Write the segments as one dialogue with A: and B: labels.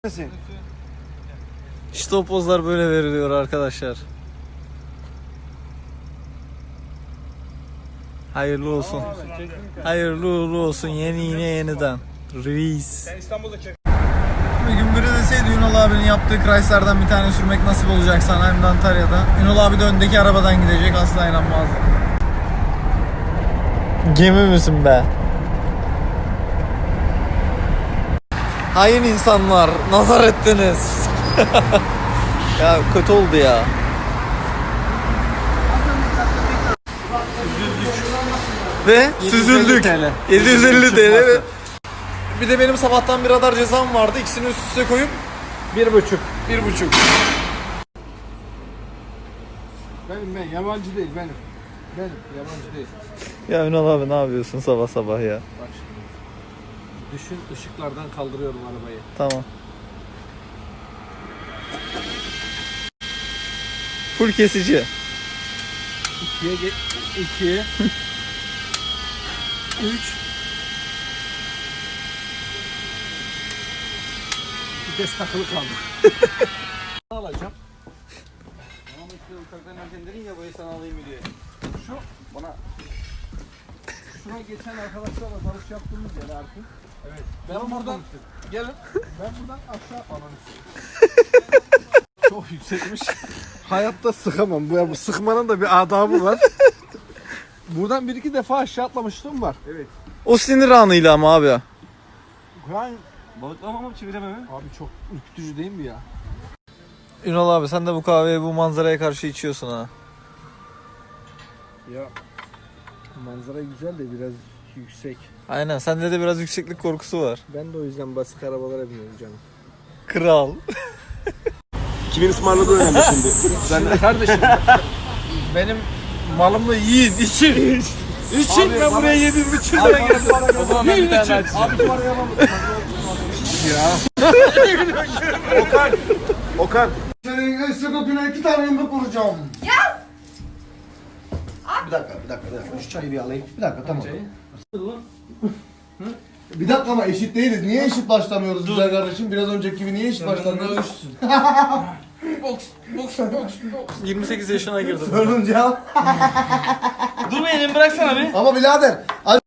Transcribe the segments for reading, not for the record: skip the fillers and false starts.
A: İşte o pozlar böyle veriliyor arkadaşlar. Hayırlı olsun. Hayırlı uğurlu olsun yine yeniden. Reis. Bir gün biri deseydi Ünal abinin yaptığı Chrysler'dan bir tane sürmek nasip olacak sana hem de Antalya'da. Ünal abi de öndeki arabadan gidecek, asla inanmazdım. Gemi misin be? Hain insanlar, nazar ettiniz. Ya kötü oldu ya. Ve süzüldük. 750 TL. Bir de benim sabahtan bir radar cezam vardı. İkisini üst üste koyup
B: 1,5.
A: 1,5.
B: Ben yabancı değil benim. Benim yabancı değil.
A: Ya Ünal abi ne yapıyorsun sabah sabah ya?
B: Bak şimdi. Düşün, ışıklardan kaldırıyorum arabayı.
A: Tamam. Full kesici.
B: 2'ye 2 3 vites takılı kaldı. Ne alacağım?
A: Ama işte uçaktan erken dedin ya, bu sana alayım diye.
B: Şu bana şuna geçen arkadaşlarla barış yaptığımız yer artık. Evet. Ben buradan gelin. Ben buradan aşağı çok yüksekmiş. Hayatta sıkamam. Bu sıkmanın da bir adabı var. Buradan bir iki defa aşağı atlamışlığım var. Evet.
A: O sinir anıyla ama abi.
B: Yani
C: Balıklama mı çeviremem mi?
B: abi çok ürkütücü değil mi ya?
A: Ünal abi sen de bu kahveyi bu manzaraya karşı içiyorsun ha.
B: Ya manzara güzel de biraz yüksek.
A: Aynen, sende de biraz yükseklik korkusu var.
B: Ben de o yüzden basık arabalara biniyorum canım.
A: Kral.
C: Kimin ısmarladığı önemli şimdi.
B: Sen de kardeşim. Benim malımı yiyin, için. İçin ben buraya 7,5 lira geldim.
C: O zaman ben bir tane açacağım.
B: Abi parayı alalım. Ya. Okan.
D: Senin sebebine 2 tane yumruk vuracağım. Ya! Bir dakika. Şu çayı bir alayım. Bir dakika, tamam. Bir dakika ama eşit değiliz. Niye eşit başlamıyoruz güzel kardeşim? Biraz önceki gibi niye eşit başlamıyoruz?
C: Boks.
A: 28 yaşına girdim.
D: Sorunca.
C: Dur elimi bıraksana bir.
D: Ama birader.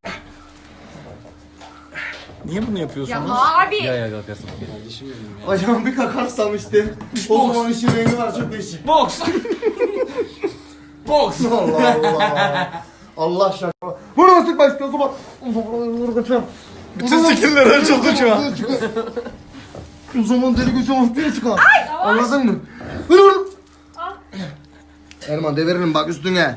A: Niye bunu yapıyorsunuz?
E: Abi.
D: Acaba bir kakarsam işte. O zaman işin rengi var, çok değişik.
C: Boks. Boks.
D: Allah Allah. Allah şaka. Bunu nasıl başlıyorsun bak. Vuracağım.
A: Bütün skill'ler açıldı şu an.
D: O zaman deli gözü ortaya çıkar. Anladın mı? Vur. Erman deviririm bak üstüne.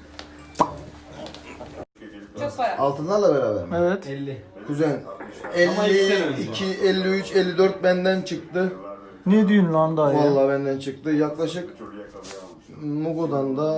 E: Çok para.
D: Altınlarla beraber mi?
A: Evet.
B: 50.
D: Kuzen 52, 53, 54 benden çıktı.
A: Ne diyorsun lan daha ya?
D: Vallahi benden çıktı. Yaklaşık Mugo'dan da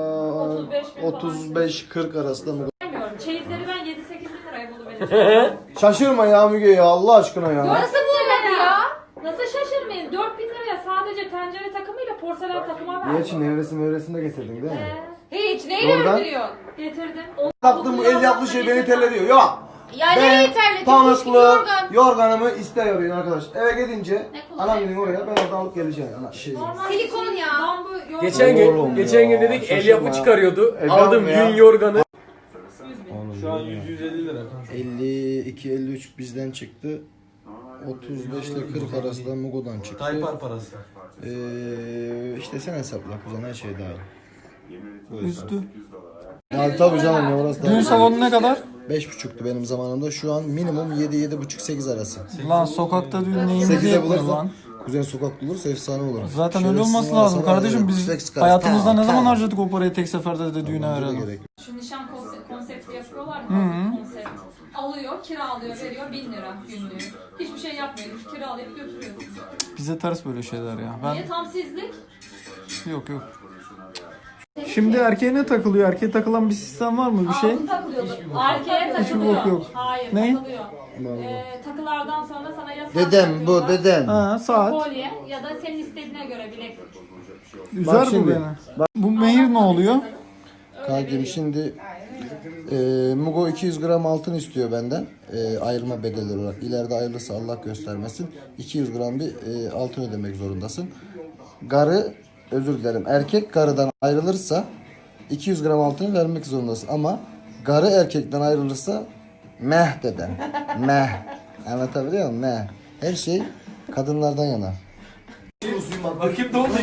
D: 35-40 arasında Mugo.
E: Bilmiyorum. Çeyizleri ben 7-8 bin liraya buluvereceğim.
D: Şaşırma ya Müge ya, Allah aşkına ya.
E: Nasıl bulmadı ya? Nasıl şaşırmayın? 4 bin liraya sadece tencere takımıyla porselen takıma verdim.
D: Niye Çin evresini getirdin değil mi?
E: Hiç. Neyi
D: Oradan-
E: gönderiyorsun? Getirdim.
D: Taktım bu el yaptığı şey beni terlediyor. Yok.
E: Ya neyi terledin?
D: Pamuklu yorganımı istiyorum arkadaş. Eve gidince
E: Ne kullanıyorsun?
D: anam gidin oraya, ben oradan alıp geleceğim. Ana şey.
E: Silikon ya.
B: Geçen gün dedik el yapı
D: Şaşırma.
B: çıkarıyordu.
D: El
B: Aldım
D: yapma ya.
B: yün yorganı.
C: Şu an 100-150 lira.
D: 52-53 bizden çıktı. 35 ile 40 arasında Mugo'dan çıktı.
C: Taypar parası.
D: İşte sen hesapla kuzen, her şey dahil.
A: Üstü.
D: Ya tabii canım ya, orası
A: Düğün
D: da
A: salonu ne kadar?
D: 5,5'tu benim zamanımda. Şu an minimum 7-7,5-8 arası.
A: Lan sokakta düğün neyimizi
D: 8'e
A: yapmıyor
D: bulursan
A: lan.
D: kuzen sokak bulursa efsane olur.
A: Zaten öyle
D: Şerefsiz
A: olması
D: var,
A: lazım
D: sana
A: kardeşim. Biz
D: flex karşı.
A: hayatımızda ne zaman
D: Tamam.
A: harcadık o parayı tek seferde de düğüne
D: Bence de
A: verelim.
D: gerek yok.
E: Şu nişan konsepti yapıyorlar ya. Konsept. Alıyor, kiralıyor, veriyor 1000 lira günlüğü. Hiçbir şey yapmıyor. Kiralayıp götürüyorsun.
A: Bize ters böyle şeyler ya.
E: Niye tam sizlik?
A: Yok. Şimdi erkeğe ne takılıyor? Erkeğe takılan bir sistem var mı, bir şey?
E: Altın takılıyordu. Erkeğe
A: Hiçbir
E: takılıyor.
A: bok yok.
E: Hayır,
A: Ne?
E: takılıyor. Takılardan sonra sana ya saat
D: Dedem bu
E: takıyorlar,
D: dedem.
A: Ha, saat.
E: kolye ya da senin istediğine göre bileklik.
A: Üzer bu
D: şimdi,
A: beni. Bu mehir ne oluyor?
D: Kankim şimdi Mugo 200 gram altın istiyor benden. Ayrılma bedeli olarak. İleride ayrılırsa Allah göstermesin. 200 gram bir altın ödemek zorundasın. Garı, özür dilerim. Erkek garıdan ayrılırsa 200 gram altını vermek zorundasın. Ama garı erkekten ayrılırsa meh deden. Meh. Anlatabiliyor muyum? Meh. Her şey kadınlardan yana.
C: Bakayım ne oldu?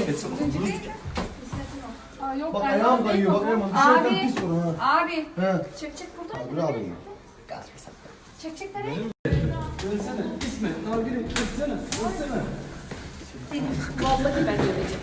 E: Aa, yok,
D: Bak
E: Erman
D: ayağım
E: Bey
D: kayıyor. Bak
E: mi?
D: Erman dışarıdan
E: Abi,
D: pis vurun ha.
E: abi.
D: He.
E: Çek burada.
D: Öbür abim.
E: Çek nereye?
B: Dönsene. İsmet. Nargile. Dönsene. Dönsene.
E: Vallahi ben döveceğim.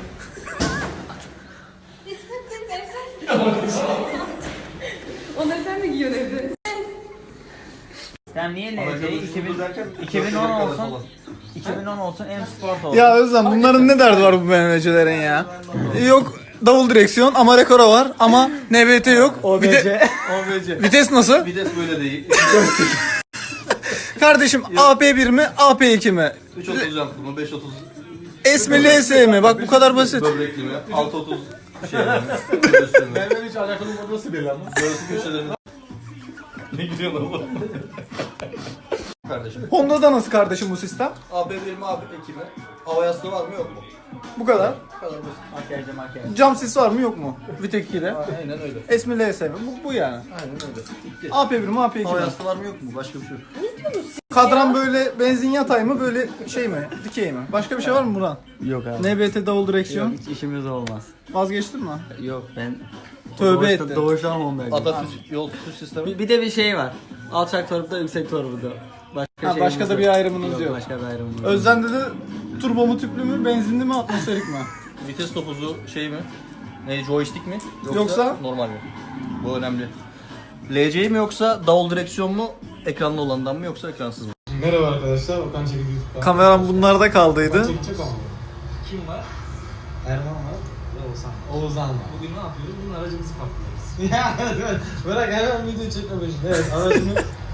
E: İsmet benim evden. Onları sen mi giyiyorsun evde?
F: Sen niye LC'yi 2010 olsun 2010 olsun en sport olsun.
A: Ya Özlem bunların ne derdi var bu BMW'cilerin ya? Yok davul direksiyon ama rekora var ama NBT yok.
C: OBC.
A: Vites nasıl?
C: Vites böyle değil.
A: Kardeşim AP1 mi AP2 mi?
C: 330 jantlı mı? 530
A: S mi LS mi? Bak bu kadar basit.
C: böbrekli mi? 630 şey mi? Göğüslü mü?
B: Benden hiç alakalı nasıl belli ama?
C: Göğsü köşelerinde. Ne gidiyorsun oğlum? Kardeşim.
A: Honda'da nasıl kardeşim bu sistem?
C: AB1 mi AB2 mi? Hava yastığı var mı yok mu?
A: Bu kadar.
C: Bu kadar basit.
F: Makyajı.
A: Cam sis var mı yok mu? Vitek 2'de.
C: Aynen öyle.
A: S mi LS mi? Bu yani.
C: Aynen öyle. Bitti.
A: AP1 mi AP2
C: Hava
A: mi?
C: yastığı var mı yok mu? Başka bir şey yok.
A: Kadran böyle benzin yatay mı böyle şey mi? Dikey mi? Başka bir şey var mı Burhan?
F: Yok abi.
A: NBT davul direksiyon.
F: Hiç işimiz olmaz.
A: Vazgeçtin mi?
F: Yok ben
A: Tövbe ettin.
F: doğuştan Honda'yım.
C: Atatürk yol tutuş sistemi.
F: Bir de bir şey var. Alçak torpta yüksek torpta. Başka,
A: Ha, başka da bir ayrımınız yok.
F: Başka bir ayrımımız yok.
A: Özden'de de turbo mu tüplü mü benzinli mi atmosferik mi?
C: Vites topuzu şey mi? Ne joystick mi?
A: Yoksa?
C: Normal mi? Bu önemli. LC mi yoksa davul direksiyon mu? Ekranlı olandan mı yoksa ekransız mı?
B: Merhaba arkadaşlar. Okan Çelik YouTube'dan.
A: Kameram bunlarda kaldıydı.
B: Çekecek ama. Kim var? Erman var. Oğuzhan var. Bugün ne yapıyoruz? Bunun aracımızı kaplıyoruz. Ya evet. Bırak hemen video çekme peşinde. Evet aracımı...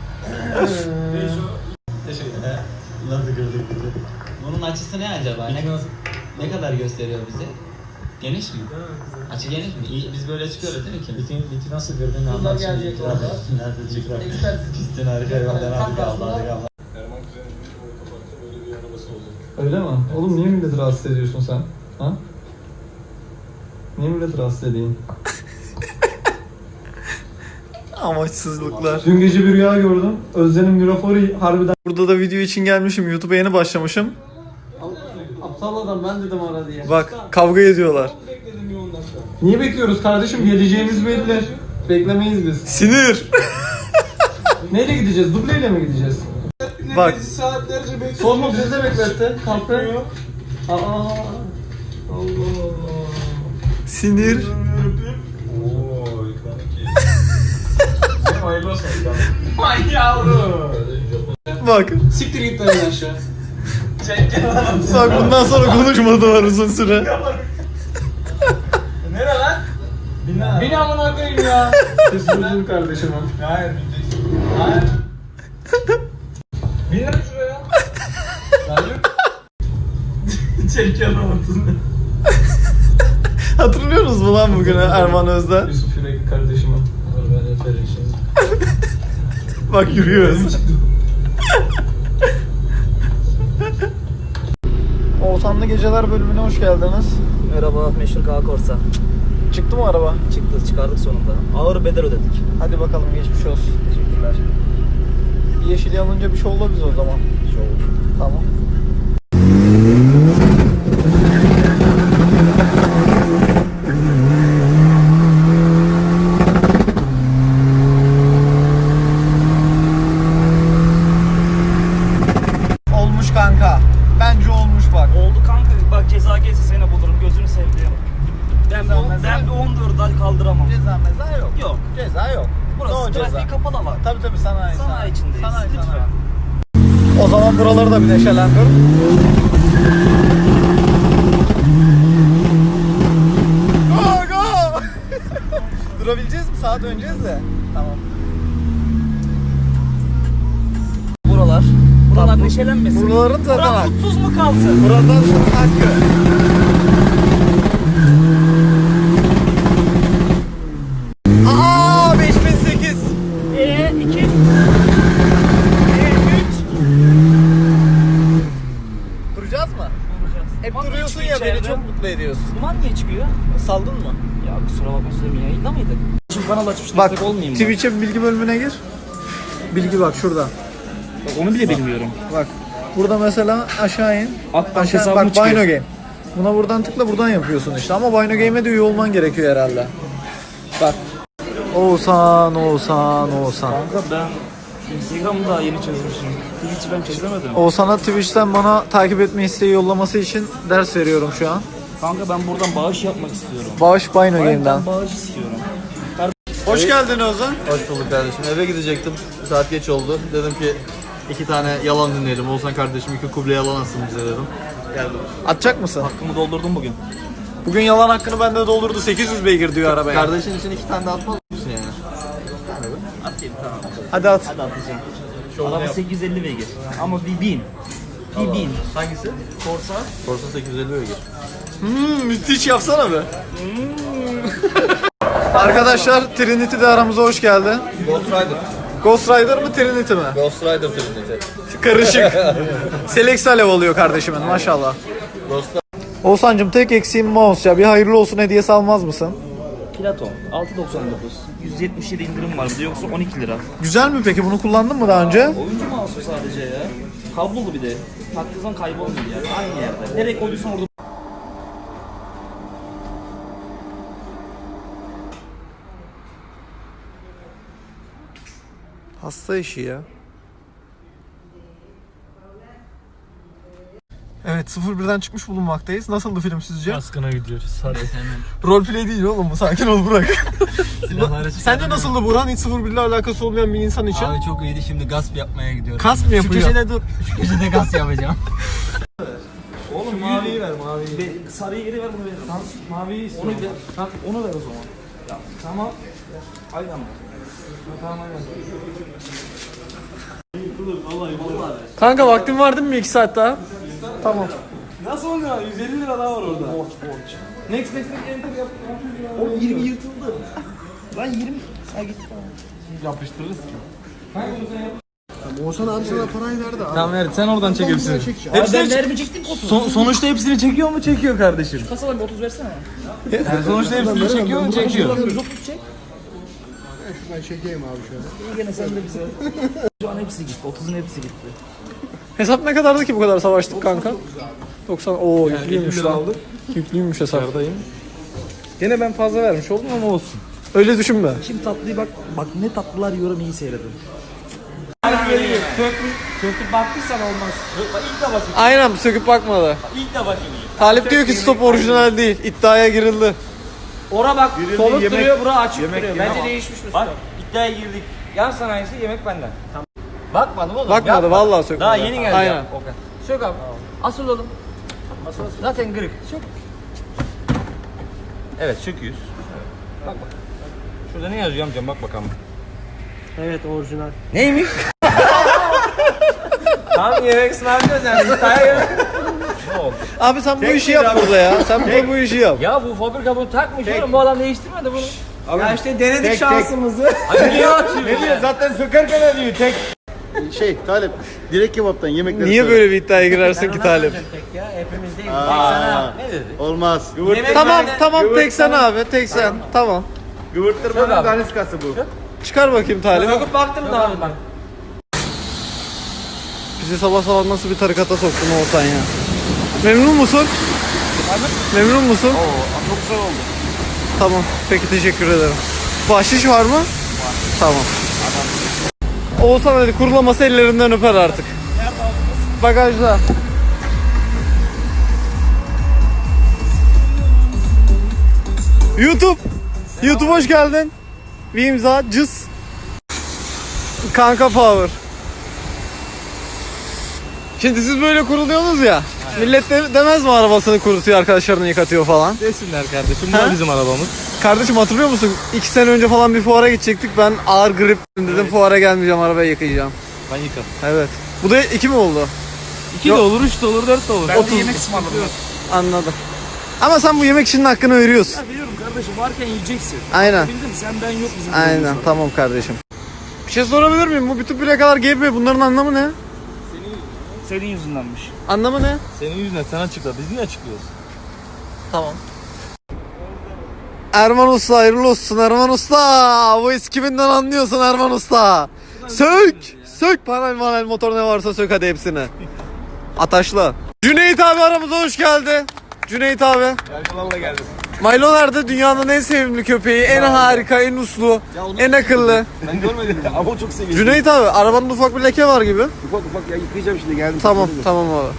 B: Teşekkür ederim.
G: Nasıl gördük bizi? Bunun açısı ne acaba? Ne kadar gösteriyor bize? Geniş mi? Açı geniş mi? Biz böyle çıkıyoruz değil mi ki?
B: Biti nasıl gördün?
G: Kızlar gelecek orada. Nerede çıkıyor? Pistin harika hayvanlar harika Allah harika Allah.
B: Öyle mi? Oğlum niye milleti rahatsız ediyorsun sen? Ha? Niye milleti rahatsız edeyim?
A: Amaçsızlıklar.
B: Dün gece bir rüya gördüm. Özden'in graforu harbiden...
A: Burada da video için gelmişim. YouTube'a yeni başlamışım.
B: Aptal adam ben dedim ara diye.
A: Bak kavga ediyorlar.
B: Niye bekliyoruz kardeşim? Geleceğimiz belli. Beklemeyiz biz.
A: Sinir.
B: Neyle gideceğiz? Dubleyle mi gideceğiz?
A: Bak
B: Saatlerce bekliyoruz. Sorma bizi de bekletti. Kalktı. Aa. Allah Allah.
A: sinir.
B: Hayırlı olsun. Ay yavrum.
A: Bak.
B: Siktir git lan aşağı.
A: Bak bundan sonra konuşmadılar uzun süre.
B: Nere lan? Bina amına koyayım ya. Siz buldun kardeşim. Hayır bineceksin. Hayır. Bin lan şuraya. Hayır. Çek yalamadın.
A: Hatırlıyorsunuz mu lan bugünü Erman Özden?
B: Yusuf Yürekli kardeşime. Ben öperim şimdi.
A: Bak yürüyoruz. Oğuzhanlı Geceler bölümüne hoş geldiniz.
F: Merhaba meşhur K Korsa.
A: Çıktı mı araba?
F: Çıktı çıkardık sonunda. Ağır bedel ödedik.
A: Hadi bakalım geçmiş olsun.
F: Teşekkürler.
A: Yeşil yanınca bir şey oldu biz o zaman. Tamam. Olmuş kanka. Bence olmuş bak.
F: Oldu kanka bak ceza gelse seni bulurum gözünü sevdiğim. Ben bir 14 ay kaldıramam.
A: Ceza meza yok.
F: Yok.
A: Ceza yok.
F: Burası
A: No
F: trafiği
A: ceza.
F: kapalı ama.
A: Tabii sanayi.
F: Sanayi içindeyiz. Lütfen.
A: O zaman buraları da bir neşelendir. Go go! Durabileceğiz mi? Sağa döneceğiz de. Tamam.
F: Buralar neşelenmesin.
A: Buraların zaten
F: Burak
A: hak.
F: mutsuz mu kalsın?
A: Buradan hakkı. Aa 5008. mutlu ediyorsun.
F: Duman niye çıkıyor?
A: Saldın mı?
F: Ya kusura bakma Süleyman, yayında mıydık? Şimdi kanal açmış
A: Bak
F: destek olmayayım mı?
A: Twitch'e bilgi bölümüne gir. Bilgi bak şurada.
F: Bak, onu bile bilmiyorum.
A: Bak burada mesela aşağı in.
F: Akbank
A: Aşağı,
F: hesabım
A: bak
F: çıkıyor.
A: Bino Game. Buna buradan tıkla, buradan yapıyorsun işte. Ama Bino Game'e de üye olman gerekiyor herhalde. Bak. Oğuzhan.
F: Kanka ben Instagram'ı daha yeni çözmüşüm. Twitch'i ben çözemedim.
A: Oğuzhan'a Twitch'ten bana takip etme isteği yollaması için ders veriyorum şu an.
F: Kanka ben buradan bağış yapmak istiyorum.
A: Bağış Bino Game'den.
F: Ben bağış istiyorum.
A: Hoş geldin Oğuzhan.
C: Hoş bulduk kardeşim. Eve gidecektim. Saat geç oldu. Dedim ki 2 tane yalan dinleyelim. Oğuzhan kardeşim 2 kuble yalan atsın bize dedim. Geldim.
A: Atacak mısın?
F: Hakkımı doldurdum bugün.
A: Bugün yalan hakkını bende doldurdu. 800 beygir diyor arabaya.
C: Kardeşin için 2 tane de atmaz mısın yani?
F: Atayım tamam.
A: Hadi at.
F: Hadi atacağım. Araba 850 beygir. Ama bir 1000. Bir 1000.
C: Hangisi?
F: Corsa.
C: Corsa 850 beygir.
A: Müthiş yapsana be. Arkadaşlar Trinity de aramıza hoş geldi.
C: Ghost Rider.
A: Ghost Rider mı Trinity mi?
C: Ghost Rider Trinity.
A: Karışık. Selex alev oluyor kardeşimin maşallah.
C: Ghost
A: Oğuzhan'cım tek eksiğim mouse ya. Bir hayırlı olsun hediyesi almaz mısın?
F: Platon. 6.99. 177 indirim var burada, yoksa 12 lira.
A: Güzel mi peki? Bunu kullandın mı daha önce?
F: Oyuncu mouse'u sadece ya. Kablolu bir de. Taktığın kaybolmuyor yani. Aynı yerde. Nereye koyduysan orada.
A: Hasta işi ya. Evet 01'den çıkmış bulunmaktayız. Nasıldı film sizce?
B: Askına gidiyoruz. Hadi.
A: Roleplay değil oğlum bu. Sakin ol Burak. Sence nasıldı Burhan? Hiç 01 ile alakası olmayan bir insan için.
B: Abi çok iyiydi, şimdi gasp yapmaya gidiyorum.
A: Kas mı yapıyor?
B: Şu köşede dur. Şu köşede gasp yapacağım.
F: Oğlum maviyi ver, maviyi. Sarıyı geri ver, bunu ver. Tamam, maviyi istiyorum. Onu ver. Tamam, onu ver o zaman. Ya, tamam. Aynen mi? Tamam, aynen.
A: Kanka vaktin var değil mi 2 saat daha? Tamam.
F: Nasıl oluyor? 150 lira daha var orada. Borç. Next enter yap. O 20 yırtıldı. Lan 20. Ha git. Yapıştırırız ki.
D: Oğuzhan abi sana parayı verdi abi.
B: Tamam ver, sen oradan çek hepsini.
F: Ben vermeyecektim 30.
B: Sonuçta hepsini çekiyor mu? Çekiyor kardeşim.
F: Kasadan bir 30 versene.
B: Yani sonuçta hepsini çekiyor mu? Çekiyor.
F: 130 çek.
D: Ben çekeyim abi şöyle.
F: İyi gene sen de bize. Şu an hepsi gitti. 30'un hepsi gitti.
A: Hesap ne kadardı ki bu kadar savaştık kanka? 90. Oo yüklüymüş lan. Yüklüymüş hesap.
B: Gene ben fazla vermiş oldum ama olsun.
A: Öyle düşünme.
F: Şimdi tatlıyı bak. Bak ne tatlılar yiyorum, iyi seyredin. Söküp baktıysan olmaz. İlk de bakayım.
A: Aynen söküp bakmadı.
F: İlk de bakayım.
A: Talip diyor ki stop orijinal değil. İddiaya girildi.
F: Ora bak soluk duruyor, bura açık duruyor. Bence değişmiş mi? Bak iddiaya girdik. Yan sanayisi yemek benden. Tamam. Bakmadım oğlum.
A: Bakmadı vallahi sökmedi.
F: Daha yeni geldi.
A: Aynen.
F: Ya. Okay. Sök abi. Asıl oğlum. Zaten kırık. Sök. Evet söküyoruz. Bak bak. Şurada ne yazıyor amcam, bak bakalım.
B: Evet, orijinal.
F: Neymiş? Tam yemek ısmarlıyoruz yani. İddiaya yemek. Ne oldu?
A: Abi sen bu işi yap burada ya. Sen burada bu işi yap.
F: Ya bu fabrika bunu takmış oğlum. Bu adam değiştirmedi bunu.
B: Ya işte denedik şansımızı.
F: Ay niye atıyor? Ne diyor?
B: Zaten sökerken diyor tek.
D: Şey Talip, direkt kebaptan yemekleri
A: Niye böyle bir iddiaya girersin ki Talip?
F: Tek ya hepimiz değil. Tek sana. Ne dedi?
D: Olmaz.
A: Tamam tamam tek sen abi tek sen. Tamam.
D: Gıvırttırmanın daniskası bu.
A: Çıkar bakayım Talip.
F: Söküp baktım da abi bak.
A: Bizi sabah sabah nasıl bir tarikata soktun Oğuzhan ya. Memnun musun? Memnun musun?
F: Oo çok güzel oldu.
A: Tamam. Peki teşekkür ederim. Bahşiş var mı? Var. Tamam. Oğuzhan hadi kurulaması ellerinden öper artık. Bagajda. YouTube. YouTube hoş geldin. Bir imza cız. Kanka Power. Şimdi siz böyle kuruluyorsunuz ya. Millet demez mi arabasını kurutuyor, arkadaşlarını yıkatıyor falan.
B: Desinler kardeşim. Bu da bizim arabamız.
A: Kardeşim hatırlıyor musun? 2 sene önce falan bir fuara gidecektik. Ben ağır grip dedim, fuara gelmeyeceğim, arabayı yıkayacağım.
B: Ben yıkarım.
A: Evet. Bu da 2 mi oldu?
B: 2 de olur, 3 de olur, 4 de olur.
F: Ben de yemek ısmarladım.
A: Anladım. Ama sen bu yemek işinin hakkını veriyorsun.
F: Ya biliyorum kardeşim, varken yiyeceksin.
A: Aynen.
F: Bildim, sen ben yok bizim.
A: Aynen. Tamam kardeşim. Bir şey sorabilir miyim? Bu bütün plakalar GB. Bunların anlamı ne?
F: Senin yüzündenmiş.
A: Anlamı ne?
B: Senin yüzünden sen açıkla. Biz niye açıklıyoruz?
A: Tamam. Erman Usta hayırlı olsun Erman Usta. Bu eskibinden anlıyorsun Erman Usta. Sök. Sök panel motor ne varsa sök hadi hepsini. Ataşla. Cüneyt abi aramıza hoş geldi. Cüneyt abi.
F: Yargılarla geldim.
A: Milo nerede? Dünyanın en sevimli köpeği, en harika, en uslu, en akıllı.
F: Ben görmedim ama o çok seviyorum.
A: Cüneyt abi arabanın ufak bir leke var gibi.
F: Ufak ya yıkayacağım şimdi geldim.
A: Tamam tamam abi.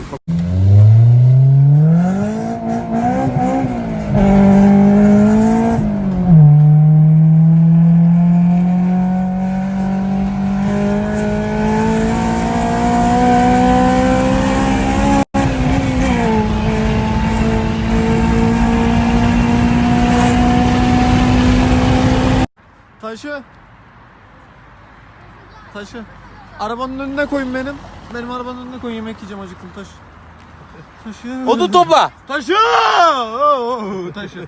A: Taşı. Arabanın önüne koyun benim. Benim arabanın önüne koyun, yemek yiyeceğim, acıktım. Taşı.
F: Odun topla.
A: Taşı. Taşı.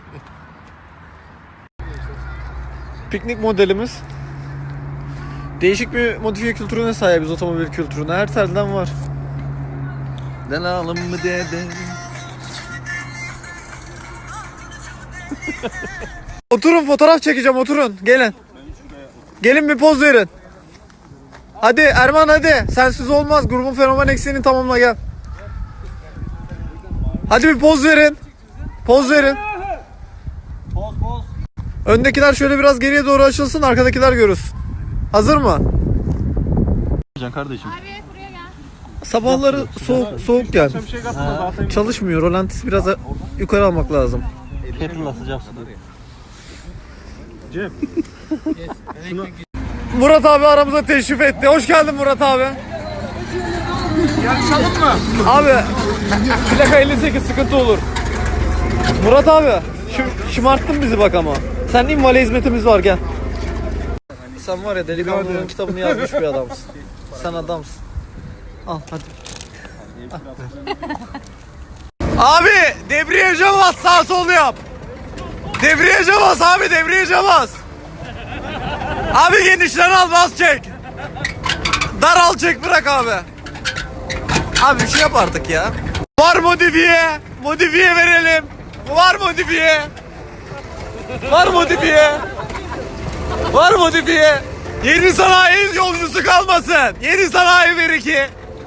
A: Piknik modelimiz. Değişik bir modifiye kültürüne sahibiz, otomobil kültürüne. Her telden var.
C: Delalım mı dede?
A: Oturun, fotoğraf çekeceğim, oturun. Gelin. Gelin bir poz verin. Hadi Erman hadi. Sensiz olmaz. Grubun fenomen eksiğini tamamla gel. Hadi bir poz verin. Poz verin.
F: Poz.
A: Öndekiler şöyle biraz geriye doğru açılsın, arkadakiler görürsün. Hazır mı?
C: Kardeşim.
A: Sabahları soğuk gel. Çalışmıyor. Rolantisi biraz yukarı almak lazım.
C: Kettle'la sıcak su.
A: Murat abi aramıza teşrif etti. Hoş geldin Murat abi.
F: Yarışalım mı?
A: Abi plaka 58 sıkıntı olur. Murat abi şımarttın bizi bak ama. Sen invale hizmetimiz var, gel. Sen var ya delikanlının kitabını yazmış bir adamsın. Sen adamsın. Al hadi. Abi debriyaja bas, sağ sol yap. Debriyaja bas abi, debriyaja bas. Abi genişten al, bas çek. Dar al çek, bırak abi. Abi bir şey yap artık ya. Var modifiye. Modifiye verelim. Var modifiye. Var modifiye. Var modifiye. Yeni sanayi yolcusu kalmasın. Yeni sanayi ver iki.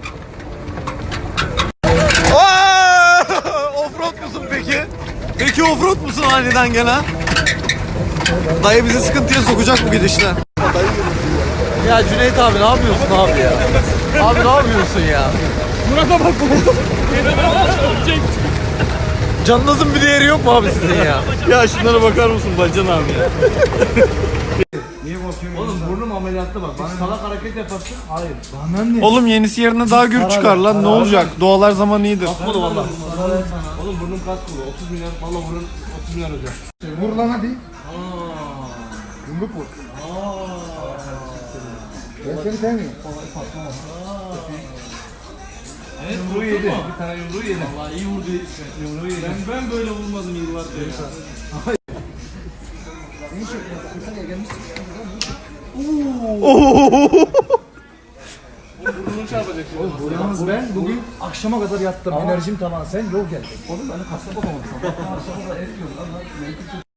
A: Offroad musun peki? Peki offroad musun aniden gelen? Dayı bizi sıkıntıya sokacak bu gidişle. Ya Cüneyt abi ne yapıyorsun abi ya? Abi ne yapıyorsun ya?
F: Murat'a bak.
A: Canınızın bir değeri yok mu abi sizin ya?
C: Ya şunlara bakar mısın Bacan abi ya?
F: Oğlum burnum ameliyatta bak. Bana salak hareket yaparsın. Hayır.
A: Oğlum yenisi yerine daha gür çıkar lan, ne olacak? Doğalar zaman iyidir.
F: Oğlum valla. Oğlum burnum kaç kulu? 30 milyon. Valla burnum 30 milyon olacak.
D: Vur lan hadi. Yumruk vur. Ben seni sevmiyorum.
F: Evet, yumruğu yedi. Bir tane yumruğu yedi. Vallahi iyi vurdu. Yumruğu yedi. Ben böyle vurmadım yıllardır ya. Burnunu çarpacak şimdi.
H: Yalnız ben bugün akşama kadar yattım. Enerjim tamam. Sen yol geldin. Oğlum ben kasaba bakamadım. Akşama kadar et yiyorum lan.